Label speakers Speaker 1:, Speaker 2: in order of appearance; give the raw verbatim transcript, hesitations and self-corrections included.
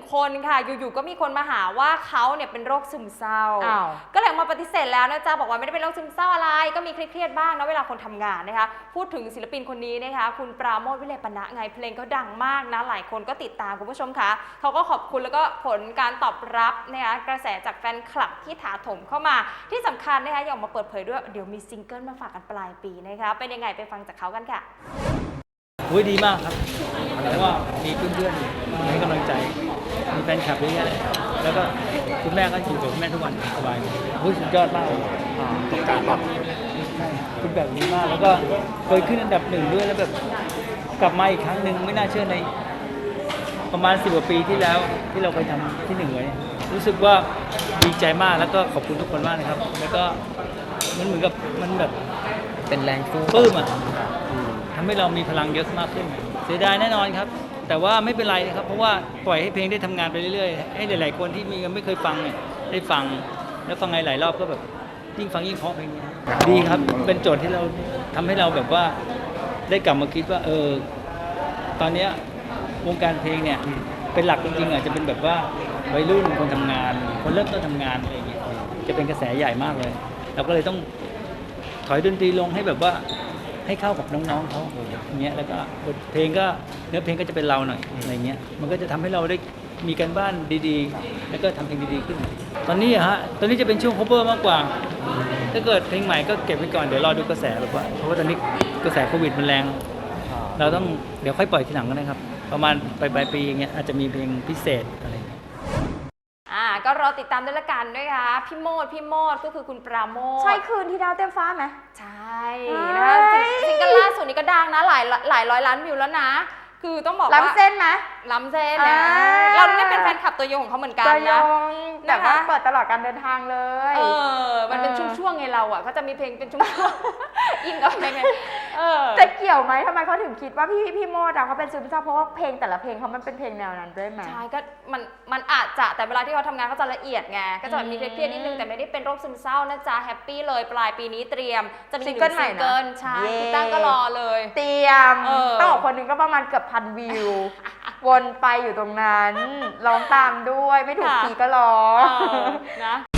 Speaker 1: คนค่ะอยู่ๆก็มีคนมาหาว่าเขาเนี่ยเป็นโรคซึมเศร้าก็เลยมาปฏิเสธแล้วนะจ๊ะบอกว่าไม่ได้เป็นโรคซึมเศร้าอะไรก็มีเครียดๆบ้างนะเวลาคนทำงานนะคะพูดถึงศิลปินคนนี้นะคะคุณปราโมท วิเลปณะไงเพลงก็ดังมากนะหลายคนก็ติดตามคุณผู้ชมคะเขาก็ขอบคุณแล้วก็ผลการตอบรับนะคะกระแสจากแฟนคลับที่ถาถมเข้ามาที่สำคัญนะคะอยากมาเปิดเผยด้วยเดี๋ยวมีซิงเกิลมาฝากกันปลายปีนะคะเป็นยังไงไปฟังจากเขากันค่ะ
Speaker 2: โอ้ยดีมากครับเพราะว่ามีเพื่อนๆให้กำลังใจมีแฟนคลับเยอะแยะแล้วก็คุณแม่ก็อยู่กับคุณแม่ทุกวันสบายโอ้ยสุดยอดมากเลยตกการแบบคุณแบบนี้มากแล้วก็เคยขึ้นอันดับหนึ่งด้วยแล้วแบบกลับมาอีกครั้งหนึ่งไม่น่าเชื่อในประมาณสิบกว่าปีที่แล้วที่เราเคยทำที่หนึ่งไว้รู้สึกว่าดีใจมากแล้วก็ขอบคุณทุกคนมากนะครับแล้วก็มันเหมือนกับมันแบบ
Speaker 3: เป็นแรงสู้
Speaker 2: ปลื้มอ่ะทำให้เรามีพลังเยอะมากขึ้นเสียดายแน่นอนครับแต่ว่าไม่เป็นไรนะครับเพราะว่าปล่อยให้เพลงได้ทำงานไปเรื่อยๆให้หลายๆคนที่มีไม่เคยฟังเนี่ยได้ฟังแล้วฟังหลายๆรอบก็แบบยิ่งฟังยิ่งเพราะเพลงนี้ดีครับเป็นโจทย์ที่เราทำให้เราแบบว่าได้กลับมาคิดว่าเออตอนนี้วงการเพลงเนี่ยเป็นหลักจริงๆอาจจะเป็นแบบว่าวัยรุ่นคนทำงานคนเริ่มต้นทำงานอะไรอย่างเงี้ยจะเป็นกระแสใหญ่มากเลยเราก็เลยต้องถอยดนตรีลงให้แบบว่าให้เข้ากับน้องๆเขาอย่างเงี้ยแล้วก็บทเพลงก็เนื้อเพลงก็จะเป็นเราหน่อยอะไรเงี้ยมันก็จะทำให้เราได้มีการบ้านดีๆแล้วก็ทำเพลงดีๆขึ้นตอนนี้อะฮะตอนนี้จะเป็นช่วง cover มากกว่าถ้าเกิดเพลงใหม่ก็เก็บไว้ก่อนเดี๋ยวรอดูกระแสแบบว่าเพราะว่าตอนนี้กระแสโควิดมันแรงเราต้องเดี๋ยวค่อยปล่อยทีหลังก็ได้ครับประมาณปลายปีอย่างเงี้ยอาจจะมีเพลงพิเศษอะไร
Speaker 1: อ่าก็รอติดตามด้วยละกันด้วยค่ะพี่โมดพี่โมดก็คือคุณปราโมท
Speaker 4: ใช่คืนที่ดาวเต็มฟ้าไหม
Speaker 1: ใช่นะคะซิงเกิลล่าสุดนี้ก็ดังนะหลายหลายร้อยล้านวิวแล้วนะคือต้องบอกว่า
Speaker 4: ล้ำเส้นไหม
Speaker 1: ล้ำเส้นนะเราเนี่ยเป็นแฟนคลับตัวยงของเขาเหมือนกันนะ
Speaker 4: แบบว่าเปิดตลอดการเดินทางเลย
Speaker 1: เออมันเป็นช่วงๆไงเราอ่ะก็จะมีเพลงเป็นช่วงๆอินกับเพลงไง
Speaker 4: จะเกี่ยวไหมทำไมเขาถึงคิดว่าพี่พี่โมดเขาเป็นซึมเศร้าเพราะว่าเพลงแต่ละเพลงเขามันเป็นเพลงแนวนั้นด้วยไหม
Speaker 1: ใช่ก็มันมันอาจจะแต่เวลาที่เขาทำงานเขาจะละเอียดไงก็จะมีเครียดนิดนึงแต่ไม่ได้เป็นโรคซึมเศร้านะจ๊ะแฮปปี้เลยปลายปีนี้เตรียมจะมีซิงเกิลใหม่นะใช่พี่ตั้งก็รอเลย
Speaker 4: เตรียมต้องบอกคนนึงก็ประมาณเกือบพันวิววนไปอยู่ตรงนั้นร้องตามด้วยไม่ถูกทีก็ร้อง
Speaker 1: นะ